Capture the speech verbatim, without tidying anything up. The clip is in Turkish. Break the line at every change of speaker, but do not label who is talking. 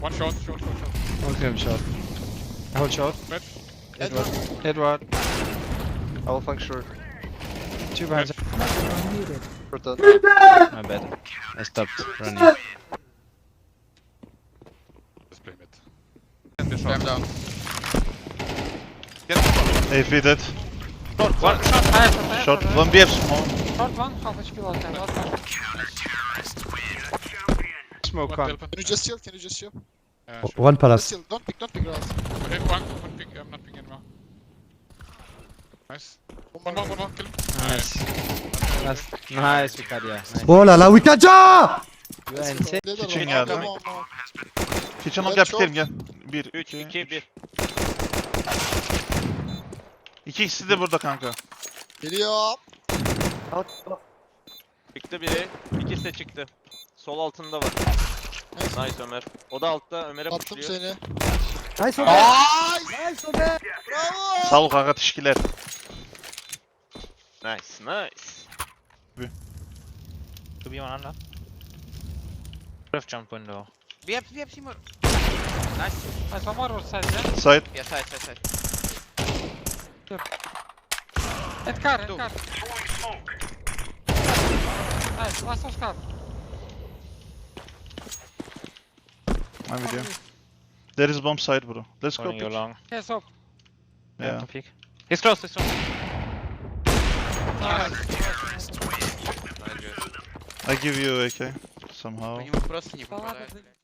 One short, short, short, short.
One him shot. Hold short.
Mid.
Edward. Edward. I will flank short. Two behind.
Muted.
Short dead.
My bad. I stopped running.
Let's play mid. And the short.
I'm down.
A P dead.
Short, one.
Short. One B F small.
Short one, half H P last time. Last time.
Smoke
One
con.
Delphin.
Can you just chill? Can you just chill?
Uh, sure.
One
Just
palace.
chill. Don't pick, don't pick rounds.
Okay, one, one ping. I'm not ping anymore. Nice. One more, one more. Kill him.
Nice. Nice. Nice, Vicaria. Nice.
Oh là là, Wikaja!
You are insane.
Kitchen
Come
geldi.
on, come on.
Kitchen ol
Evet,
gel
çok.
bitelim gel. Bir,
üç,
iki,
iki, bir.
İki ikisi de burada kanka.
Geliyor.
Çıktı biri. İkisi de çıktı. Sol altında var. Nice Ömer. O da altta Ömer'e
Attım
pushluyor.
seni.
Nice Ömer!
Nice.
Nice Ömer!
Bravo.
Sağ ol kanka teşekkürler.
Nice, nice.
To be one under. Ref jump window.
B F, B F, Seymour. Nice. Nice, one more side, yeah?
Side.
Yeah, side, side, side. At car, at car. Nice, last of car.
I'm with you. There is bomb side bro. Let's go
Going you
pick.
long.
Yes, up.
Yeah.
To peek. He's close, he's close.
Nice.
I give you A K somehow.
Ладно,